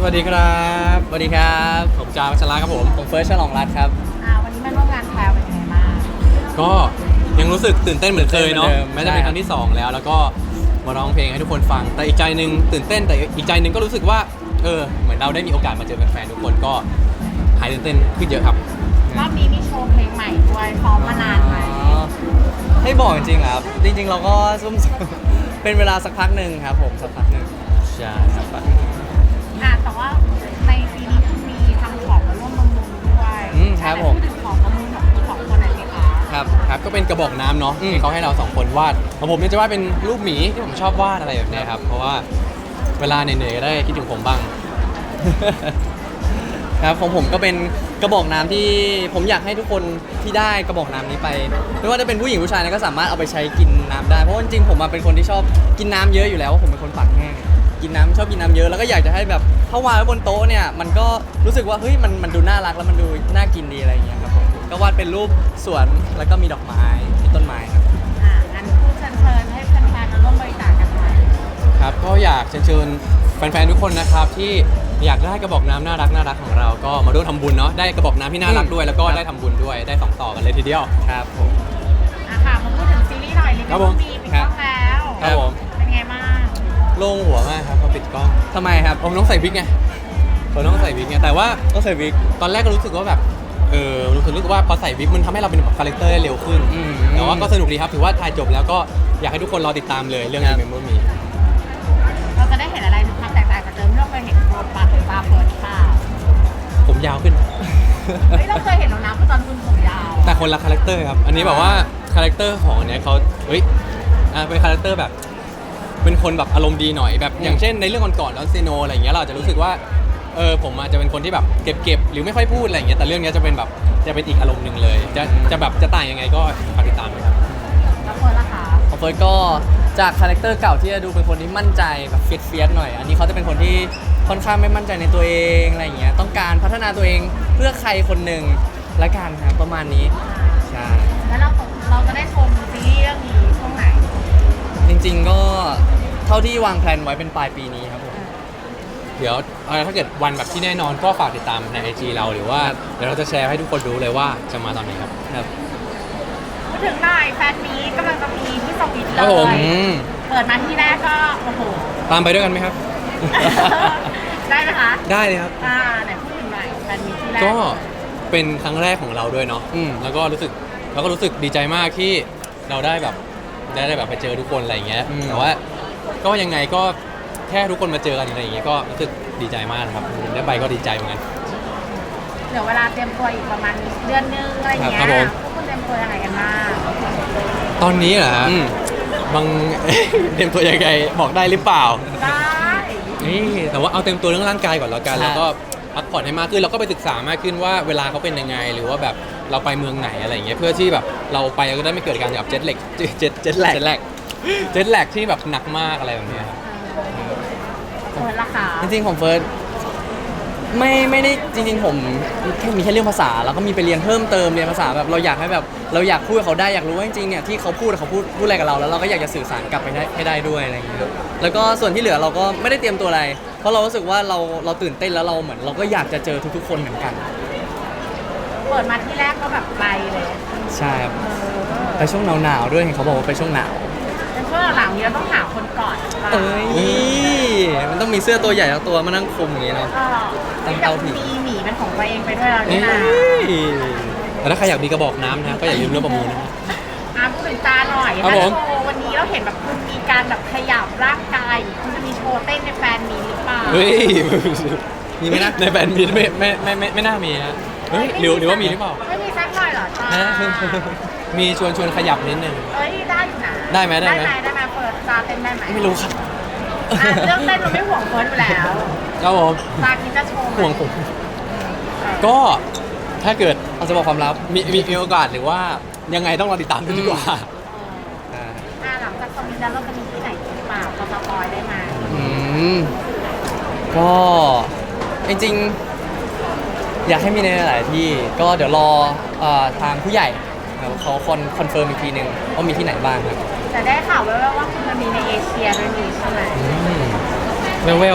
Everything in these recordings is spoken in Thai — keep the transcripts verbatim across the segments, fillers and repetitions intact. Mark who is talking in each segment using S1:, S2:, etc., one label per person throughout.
S1: วัสดีครับสวัสดีครับผมจาวัชระครับผมผมเฟิร์สฉลองรัตน์ครับ
S2: อ่าวันนี้มาร่วมงานแพลวเป็นยังไงบ้าง
S1: ก็ยังรู้สึกตื่นเต้นเหมือนเคยเนาะ
S3: ตื่นเต้นเหมื
S1: แม้
S3: อนเดิม
S1: จะเป็นครั้งที่สองแล้วแล้วก็มาร้องเพลงให้ทุกคนฟังแต่อีกใจหนึ่งตื่นเต้นแต่อีกใจหนึ่งก็รู้สึกว่าเออเหมือนเราได้มีโอกาสมาเจอแฟนๆทุกคนก็หายตื่นเต้นขึ้นเยอะครับ
S2: รอบนี้มีโชว์เพลงใหม่ด้วยซ้อมมานานไหม
S3: อ๋อให้บอกจริงๆเหรอครับจริงๆเราก็ซุ่มๆ เป็นเวลาสักพักหนึ่งครับผมสักพักหนึ่งใช่สักพักหนึ่ง
S2: อ่าแต่ว่าในปีนี้คุณมีทำของมาร่วมประมูลด้วย
S3: อืมครับผม
S2: พูดถึงของประมูลของคุณสองคนหน่อยสิคะ
S1: ครับครับก็เป็นกระบอกน้ำเนาะ
S3: อืม
S1: ที่เขาให้เราสองคนวาดของผมเนี่ยจะวาดเป็นรูปหมีที่ผมชอบวาดอะไรแบบเนี้ยครับเพราะว่าเวลาเหนื่อยๆก็ได้คิดถึงผมบ้าง
S3: ครับของผมก็เป็นกระบอกน้ำที่ผมอยากให้ทุกคนที่ได้กระบอกน้ำนี้ไปไม่ว่าจะเป็นผู้หญิงผู้ชายนะก็สามารถเอาไปใช้กินน้ำได้เพราะว่าจริงๆผมอะเป็นคนที่ชอบกินน้ำเยอะอยู่แล้วผมเป็นคนปากแห้งกินน้ำชอบกินน้ำเยอะแล้วก็อยากจะให้แบบถ้าวางไว้บนโต๊ะเนี่ยมันก็รู้สึกว่าเฮ้ยมันมันดูน่ารักแล้วมันดูน่ากินดีอะไรอย่างเงี้ยครับผมก็วาดเป็นรูปสวนแล้วก็มีดอกไม้มีต้นไม้ครับ
S2: อ่างั้นพูดเชิญเชิญให้แฟนๆมาร่วมบริจาคกันหน่อย
S1: ครับก็อยากเชิญชวนแฟนๆทุกคนนะครับที่อยากได้กระบอกน้ำน่ารักน่ารักของเราก็มาร่วมทำบุญเนาะได้กระบอกน้ำที่น่ารักด้วยแล้วก็ได้ทำบุญด้วยได้สองต่อกันเลยทีเดียว
S3: ครับผม
S2: อ่ะค่ะมาพูดถึงซีรีส์หน่อยลิ
S1: ครับ
S2: เว
S1: ผ
S2: อ
S1: ม
S2: ร์มีปิดกล้องแล้ว
S1: ครับผม
S2: เป็นไงบ้าง
S1: โล่งหัวมากครับพอปิดกล้อง
S3: ทำไมครับ
S1: ผมต้องใส่วิกไงผมต้องใส่วิกไงแต่ว่า
S3: ต้องใส่วิก
S1: ตอนแรกก็รู้สึกว่าแบบเออรู้สึกรู้สึกว่าพอใส่วิกมันทำให้เราเป็นแบบคาแรคเตอร์ได้เร็วขึ้น
S3: อืม
S1: แต่ว่าก็สนุกดีครับถือว่าถ่ายจบแล้วก็อยากให้ทุกคนรอติดตามเลยเรื่อง
S3: ครับ
S1: Remember Me
S2: เราจะได้เห็นอะไรความแตกต่างจากเดิมที่เราเคยเห็นโปรปาหรือปลาเฟิร์สเปล่า
S1: ผมยาวขึ้น
S2: เฮ้ยเราเคยเห็นแล้วนะคือตอนคุณผมยาว
S1: แต่คนละคาแรคเตอร์ครับ อันนี้แบบว่าคาแรคเตอร์ของอันเนี้ยเขาเฮ้ยอ่าเป็นคาแรคเตอร์แบบ เป็นคนแบบอารมณ์ดีหน่อยแบบ อย่างเช่นในเรื่องก่อนๆดอนซีโนอะไรอย่างเงี้ยเราอาจจะรู้สึกว่า เออผมอาจจะเป็นคนที่แบบเก็บๆหรือไม่ค่อยพูดอะไรอย่างเงี้ย แต่เรื่องเนี้ยจะเป็นแบบจะเป็นอีกอารมณ์หนึ่งเลย จะจะแบบจะต่างยังไงก็ฝากติดตามนะครับ
S2: แล้วเฟิร์สล่ะคะ
S3: ของเฟิร์สก็จากคาแรคเตอร์เก่าที่จะดูเป็นคนที่มั่นใจแบบเฟียสเฟียสหน่อย อันนี้เขาจะเป็นคนที่ค่อนข้างไม่มั่นใจในตัวเองอะไรอย่างเงี้ยต้องการพัฒนาตัวเองเพื่อใครคนหนึ่งละกันครับประมาณนี้ใช่
S2: แล้วเราเราจะได้ชมซีรีส์เรื่องนี้ช่วงไหน
S3: จริงๆก็เท่าที่วางแผนไว้เป็นปลายปีนี้ครับผม
S1: เดี๋ยวเอ่อถ้าเกิดวันแบบที่แน่นอนก็ฝากติดตามใน ไอ จี เราหรือว่าเดี๋ยวเราจะแชร์ให้ทุกคนรู้เลยว่าจะมาตอนไหนครับ
S3: ครับ
S2: พูดถึงหน่อยแฟนมีตกำลังจะมีที่สวิตเล
S1: ครับผม
S2: ย
S3: อืม
S2: เปิดมาที่แรกก็โอ้โห
S1: ตามไปด้วยกันไหมครับ
S2: ได้ไหมคะ
S1: ได้เลยครับ
S2: อ่าไหนพูดถึงหน่อยแฟนมีที่แรก
S1: ก็เป็นครั้งแรกของเราด้วยเนาะ
S3: อืม
S1: แล้วก็รู้สึกเราก็รู้สึกดีใจมากที่เราได้แบบได้ได้แบบไปเจอทุกคนอะไรอย่างเงี้ย
S3: อืม
S1: แต่ว่าก็ยังไงก็แค่ทุกคนมาเจอกันอะไรอย่างเงี้ยก็รู้สึกดีใจมากนะครับได้ไปก็ดีใจเหมือนกัน
S2: เดี๋ยวเวลาเตรียมตัวอีกประมาณเดือนนึงอะไรอย่างเงี้ย
S1: ครับผม
S2: พวกคุณเตรียมตัวยังไงกันบ้าง
S1: ตอนนี้เหรอฮะ
S3: อืม
S1: บาง เตรียมตัวยังไงบอกได้หรือเปล่า
S2: ได้
S1: นี่แต่ว่าเอาเต็มตัวเรื่องร่างกายก่อนแล้วกัน
S3: ใช่
S1: แล้วก็พักผ่อนให้มากขึ้นเราก็ไปศึกษามากขึ้นว่าเวลาเขาเป็นยังไง หรือว่าแบบเราไปเมืองไหนอะไรอย่างเงี้ยเพื่อที่แบบเราไปก็ได้ไม่เกิดการแบบเจ็ตเล็กเจ็ตเจ็ตแลกเจ็ตแลกเจ็ตแลกที่แบบหนักมากอะไรแบบเนี้ยครับ
S2: เฟิร์สล่ะคะ
S3: จริงๆของเฟิร์สไม่ไม่ได้จริงๆผมแค่มีแค่เรื่องภาษาแล้วก็มีไปเรียนเพิ่มเติมเรียนภาษาแบบเราอยากให้แบบเราอยากพูดกับเขาได้อยากรู้ว่าจริงๆเนี่ยที่เขาพูดเขาพูดพูดอะไรกับเราแล้วเราก็อยากจะสื่อสารกลับไปได้ให้ได้ด้วยอะไรอย่างเงี้ยแล้วก็ส่วนที่เหลือเราก็ไม่ได้เตรียมตัวอะไร เพราะเรารู้สึกว่าเราเราตื่นเต้นแล้วเราเหมือนเราก็อยากจะเจอทุกๆคนเหมือนกัน
S2: เปิดมาที่แรกก็แบบไปเลย
S3: ใช่ครับ
S2: เออ
S3: ไปช่วงหนาวๆด้วยเห็นเขาบอกว่าไปช่วงหนาว
S2: แต่ช่วงหลังๆนี้เราต้องหาคนก่อนป่ะ
S3: เอ้ยมันต้องมีเสื้อตัวใหญ่ทั้งตัวมานั่งคุมอย่างงี้เนาะ
S2: เออ
S3: ตั้ง
S2: แต่
S3: เตาผิ
S2: คุณ
S3: ด
S2: มีหมีเป็นของตัวเองไปด้วยแล้วนี่นะ
S1: แต่ถ้าใครอยากมีกระบอกน้ำนะก็อย่าลืมเรื่องประมูลนะ
S2: อ่ะพูดถึงตาหน่อย
S1: ครับ
S2: ถ้า
S1: ผม
S2: โชว์วันนี้เราเห็นแบบคุณมีการแบบขยับร่างกายคุณจะมีโชว์เต้นในแฟนมีหรือเปล่า
S1: เฮ้ย
S3: มีไหมนะ
S1: ในแบรนด์มีไม่ไม่ไม่ไม่ไม่น่ามีนะเฮ้ยหรือหรือว่ามีหรือเปล่า
S2: ไม่มีสักหน่อยเหรอตา
S1: ฮะ มีชวนชวนขยับนิดนึง
S2: เอ้ยได้อยู่นะ
S1: ได้ไหมได้ไหม
S2: ได้ไหมได้ไหมเปิดตาเต้นได้ไหม
S1: ไม่รู้ครับ
S2: อ่ะเรื่องเต้นเราไม่ห่วงเฟิร์สอยู่แล้ว
S1: ครับผม
S2: ตาคิดจะโชว์ไ
S1: ห่วงผม ก็ถ้าเกิด
S3: เราจะบอกความลับ
S1: มีมีมีโอกาสหรือว่ายังไงต้องรอติดตามกันดีกว่า
S2: อ่าหลังจากคอมมิชชั่นเราจะมีที่ไหนอีกหรือเปล่าพอสปอยได้ไหม
S3: อืมก็จริงๆ อยากให้มีในหลายๆที่ก็เดี๋ยวรอเอ่อทางผู้ใหญ่ครับเขาคอนคอนเฟิร์มอีกทีหนึ่งว่ามีที่ไหนบ้างครับ
S2: แต่ได้ข่าวแว่วๆว่าคุณจะมีในเอเชียด้วยนี่ใช่ไหม
S1: เวลเวล
S2: อ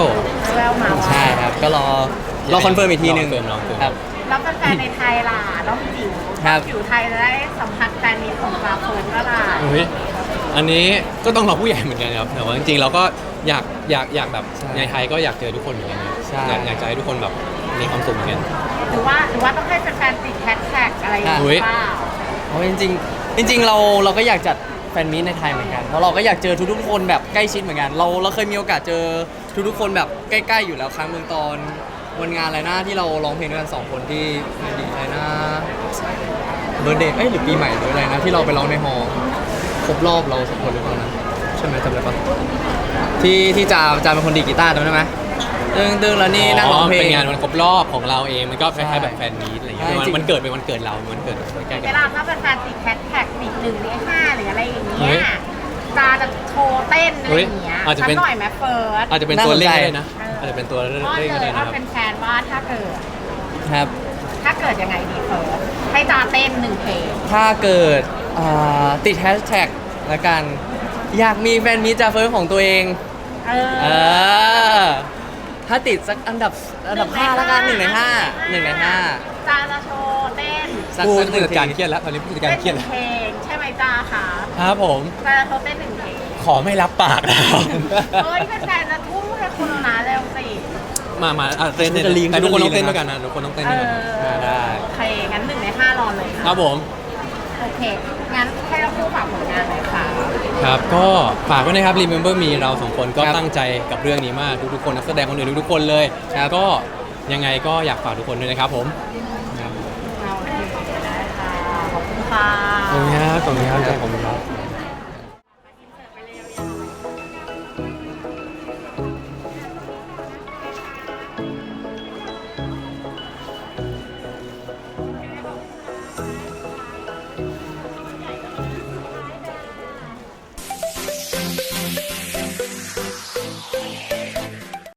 S2: แววๆมาว่า
S3: ใช่ครับ ก็รอรอคอนเฟิร์มอีกทีหนึ่ง
S1: รอคอนเฟิร์มรอคอนเฟิร์ม
S3: ครับ
S2: แล้วแฟนๆในไทยล่ะน้องจิ๋ว
S3: ครับ
S2: จิ๋วไทยจะได้สัมผัสแฟนมีของปลาเฟิร์นก็ล่ะ
S1: อุ๊ยอันนี้ก็ต้องรอผู้ใหญ่เหมือนกันครับแต่ว่าจริงๆเราก็อยากอยากอยากแบบ
S3: ใช่
S1: ในไทยก็อยากเจอทุกคนเหมือนกันนะ
S3: ใช่
S1: อยากอยากจะให้ทุกคนแบบมีความสุขเหมือนกัน
S2: หรือว่าหรือว่าต้องให้แฟนๆติดแฮชแท็กอะไรอย่าง
S1: อุ๊ย
S2: เงี้ยเปล่า
S3: เพราะจริงๆจริง ๆ เราเราก็อยากจัดแฟนมีตในไทยเหมือนกันเพราะเราก็อยากเจอทุกๆคนแบบใกล้ชิดเหมือนกัน เราเราเคยมีโอกาสเจอทุกๆคนแบบใกล้ๆอยู่แล้วครั้งหนึ่งตอนวันงานอะไรนะที่เราร้องเพลงด้วยกันสองคนที่ในดีอะไรนะเบอร์เดย์เอ้ยหรือปีใหม่หรืออะไรนะที่เราไปร้องในฮอลล์ครบรอบเราสองคนหรือเปล่านะใช่ไหมจำได้ปะที่ที่จาจาเป็นคนดีดกีตาร์จำได้ไหมดึงดึงแล้วนี่นั่งร้องเพลง
S1: เป็นงานวันครบรอบของเราเองมันก็คล้ายๆแบบแฟนมีตอะไรอย่างเงี้ย
S3: ใช่
S1: มัน
S3: จริง
S1: มันเกิดเป็นวันเกิดเรามันเกิดใกล้ๆ
S2: เว
S1: กัน
S2: ลาถ้าแฟนๆติดแฮชแท็กติดหนึ่งในห้าหรืออะไรอย่าง
S1: เฮ้
S2: เงี้
S1: ย
S2: ยจาจะโชว์เต้นอะไรอย่างเงี้ย
S1: เฮ้ยอาจจะเป็น
S2: สักหน่อยไหมเฟิร์ส
S1: อาจจะเป็น
S3: น่า
S1: ตัว
S3: สน
S1: เลข
S3: ใจ
S1: ก็ได้นะอาจจะเป็นตัวเลข
S2: อ้อน
S1: ก็
S2: เล
S1: ได้
S2: ย
S1: นะ
S2: อ้อน
S1: ครับ
S2: เป็นแฟนว่าถ้าเกิด
S3: ครับ
S2: ถ้าเกิดยังไงดีเฟิร์สให้จาเต้นหนึ่งเพลง
S3: ถ้าเกิดอ่าติดแฮชแท็กละกัน อยากมีแฟนมีตจาเฟิร์สของตัวเอง
S2: เออ
S3: เออ ถ้าติดสักอันดับอันดับห้าละกันหนึ่งในห้าหนึ่งในห้า
S2: จาจะโชว์เต้น
S3: สัก
S1: ผู้
S3: สักห
S1: ผู้
S3: นึ่ง
S1: จัดการ
S3: ที
S1: เครียดแล้วตอนนี้ผู้จัดการ
S2: เต้น
S1: เครียด
S2: ห
S1: แล้
S2: นึ่
S1: ว
S2: งเพลงใช่ไหมจาคะ
S1: ครับผม
S2: จาจะโชว์เต้นหนึ่งเพลง
S1: ขอไม่รับปากแล้ว
S2: เฮ้ยแฟนๆจะทุ่มให้คุณนะเร็วสิ
S1: มามาอ่ะเต้นเต้น
S3: จะลีน
S1: แต่ทุกคนต้อง
S3: จะลีน
S1: เต้นด้วยกันนะทุกคนต้องเต้น
S2: เอ
S1: ด้วยกัน
S2: อ
S1: อ่าได้
S2: โอเค งั้นหนึ่งในห้ารอเลย
S1: ครับผม
S2: โอเค งั้นให้เราคู่ฝากผลงานเลยค่ะ
S1: ครับก็ฝากไว้นะครับ Remember Me เราสองคนก็
S3: ครับ
S1: ตั้งใจกับเรื่องนี้มากทุกๆคนนักแสดงคนอื่นทุกๆคนเลย
S3: ครับ
S1: ก็ยังไงก็อยากฝากทุกคนด้วยนะครับผม
S3: ครับ
S2: โอเคได้ค่ะ ขอบคุณค่ะ
S1: ขอบคุณครับขอบคุณครับขอบคุณครับ